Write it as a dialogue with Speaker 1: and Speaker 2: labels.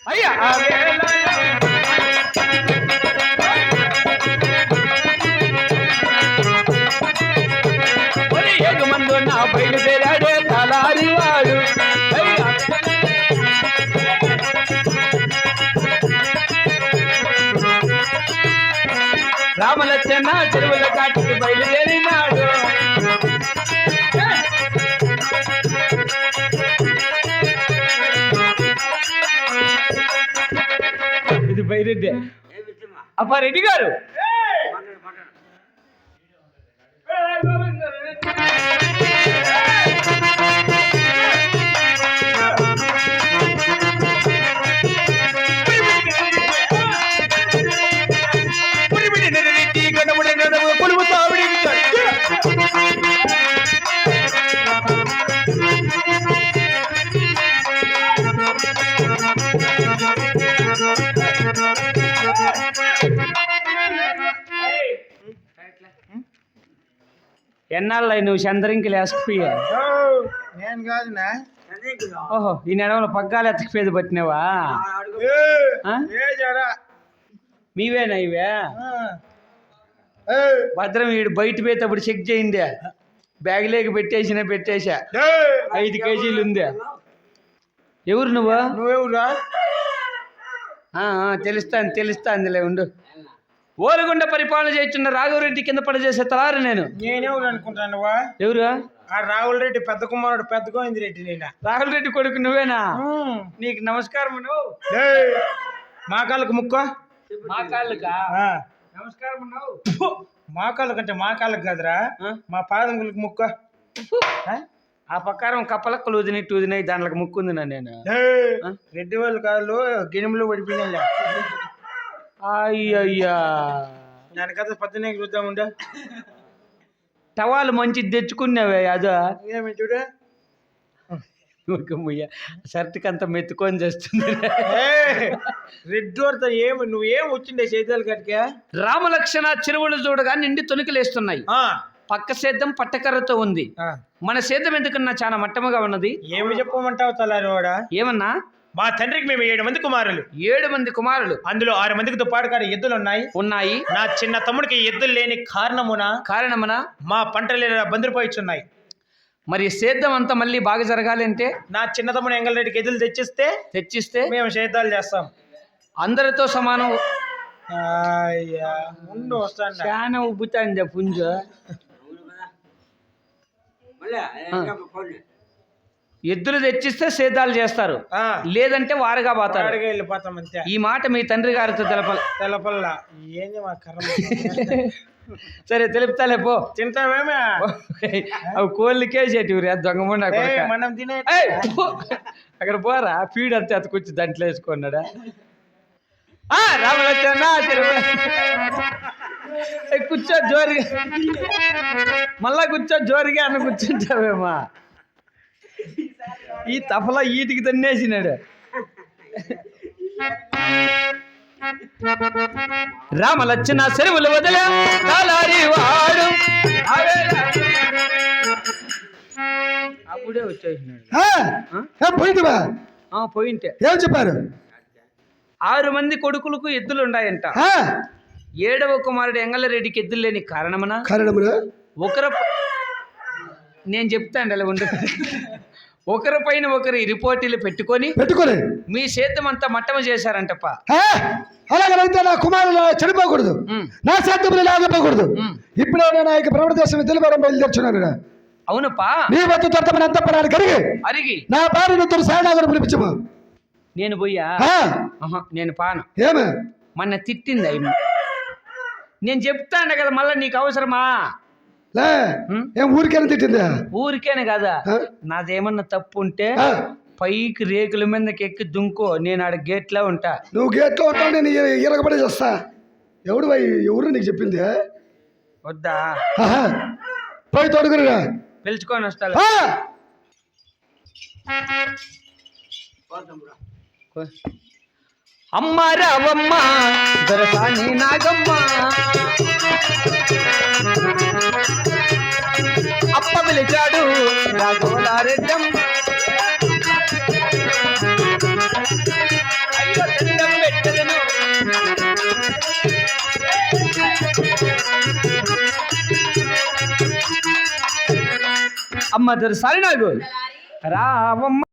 Speaker 1: అయ్యా ఏగమందు నా బయలుదేరాడే తలారివాడు రామలచ్చన్న చెరువుల కాటికి బయలుదేరినాడు. ఇది బైరెడ్డి అప్పారెడ్డి గారు. ఎన్నాళ్ళు నువ్వు చంద్రంకి లేకపోయా?
Speaker 2: నేను కాదునా.
Speaker 1: ఓహో ఈ నెడవలో పగ్గాలు ఎత్తకపోయేది పట్టినావా? మీవేనా ఇవే? భద్రం వీడు బయట పోయేటప్పుడు చెక్ చేయండి. బ్యాగ్ లేక పెట్టేసా 5 కేజీలు ఉందా. ఎవరు
Speaker 2: నువ్వెవరురా?
Speaker 1: తెలుస్తాందిలే ఉండు. ఓలుగుండ పరిపాలన చేస్తున్న రాఘవరెడ్డి కింద పనిచేసే తలారు
Speaker 2: నేనెవరు అనుకుంటాను?
Speaker 1: ఎవరు?
Speaker 2: ఆ రాహుల్ రెడ్డి పెద్ద కుమారుడు పెద్ద గోవింద్ రెడ్డి. నేను
Speaker 1: రాహుల్ రెడ్డి కొడుకు నువ్వేనా? నీకు నమస్కారం.
Speaker 2: మా కాళ్ళకు ముక్క.
Speaker 1: మా కాళ్ళకా నమస్కారం.
Speaker 2: మా కాళ్ళకు అంటే మా కాళ్ళకు కాదురా, మా పాదములకు ముక్క.
Speaker 1: ఆ ప్రకారం కప్పలక్క లూదినాయి దాంట్లోకి ముక్కుంది నేను.
Speaker 2: రెడ్డి వాళ్ళ కాళ్ళు గిణిములు పడిపోయినా.
Speaker 1: అయ్యయ్యా
Speaker 2: దాని కథ 18 చూద్దాముండే.
Speaker 1: టవాలు మంచిది తెచ్చుకున్నావే అదో
Speaker 2: ఏమి చూడు.
Speaker 1: షర్ట్కి అంత మెత్తుకొని చేస్తుంది.
Speaker 2: రెడ్డి వారితో నువ్వేం వచ్చిండే చేతులు కట్టుగా.
Speaker 1: రామలక్షణ చెరువులు చూడగా నిండి తొనికలేస్తున్నాయి. పక్క సేద్యం పట్టకర్రతో ఉంది. మన సేద్యం ఎందుకన్నా చాలా మట్టముగా ఉన్నది.
Speaker 2: ఏమి చెప్పమంటావు తలారివాడా?
Speaker 1: ఏమన్నా?
Speaker 2: మా తండ్రికి మేము 7 మంది కుమారులు.
Speaker 1: 7 మంది కుమారులు.
Speaker 2: అందులో 6 మందికి దుప్పాడుకాడ ఎద్దులు ఉన్నాయి. నా చిన్న తమ్ముడికి ఎద్దులు లేని కారణమున మా పంటలు బందిరిపోయిచున్నాయి.
Speaker 1: మరి సేద్యం అంతా మళ్ళీ బాగా జరగాలి అంటే
Speaker 2: నా చిన్న తమ్ముడు ఎంగళరెడ్డికి ఎద్దులు తెచ్చిస్తే మేము సేద్యాలు చేస్తాం.
Speaker 1: అందరితో సమానం.
Speaker 2: ముందు వస్తాను.
Speaker 1: చాలా ఉబ్బుతాంది పుంజ. ఎద్దులు తెచ్చిస్తే సేద్యాలు చేస్తారు, లేదంటే వారుగా పోతారు.
Speaker 2: వెళ్ళిపోతాం అంతే.
Speaker 1: ఈ మాట మీ తండ్రి గారితో
Speaker 2: తెలపల్లా. ఏంది మా
Speaker 1: సరే తెలుపుతాలే పో.
Speaker 2: తింటావేమే?
Speaker 1: అవి కోళ్ళకే చేటివి దొంగమండ.
Speaker 2: మనం తినే
Speaker 1: అక్కడ పోరా ఫీడ్ అంతే అతకొచ్చి దాంట్లో వేసుకున్నాడా. రామలచ్చన్న కూర్చో జోరుగా, మళ్ళా కూర్చో జోరుగా అన్న కూర్చుంటావేమా. ఈ తఫలా ఈటికి తన్నేసినాడు. రామలచ్చన చెరువులు వదిలే వాడు అప్పుడే వచ్చేసినాడు. పోయింటే
Speaker 3: ఏం చెప్పారు?
Speaker 1: 6 మంది కొడుకులకు ఎద్దులు ఉన్నాయంట. 7వ కుమారుడు ఎంగళరెడ్డికి ఎద్దులు లేని కారణమున నేను చెప్తాను అలా ఉండు. ఒకరి పైన ఒకరి రిపోర్టీలు పెట్టుకొని మీ సేద్యం అంతా మట్టమ చేశారంటప్ప.
Speaker 3: అలాగైతే నా కుమారులు చనిపోకూడదు, నా సేద్యములు లాగపోకూడదు. ఇప్పుడే నేను ఆ ప్రవడదేశం తెలుగు బయలుదేర్చున్నాను.
Speaker 1: అవునప్పా.
Speaker 3: నీ వద్ద తొట్టమని అంత పడాలి అరిగి నా భార్య సాయనాగరం పిలిపించము.
Speaker 1: నేను పోయా? నేను పాను.
Speaker 3: ఏమే
Speaker 1: మొన్న తిట్టింది అయ్యి. నేను చెప్తాను కదా మళ్ళీ నీకు అవసరమా?
Speaker 3: ఏం ఊరికేనా తిట్టిందా?
Speaker 1: ఊరికేనే కదా. నాదేమన్నా తప్పు ఉంటే పైకి రేకుల మీదకి ఎక్కి దుంకో, నేను ఆడ గేట్లో ఉంటా.
Speaker 3: నువ్వు గేట్లో ఉంటావు, నేను ఇరగబడి చేస్తా. ఎవరు నీకు చెప్పింది?
Speaker 1: వద్దా?
Speaker 3: పోయి తోడుకురా,
Speaker 1: పిలుచుకొని వస్తా. అమ్మ రావమ్మ దొరసాని నాగమ్మ, అప్ప పిలిచాడు రాఘవలారెడ్డమ్మ. అయ్యో అమ్మ దొరసారి నాకు రావమ్మ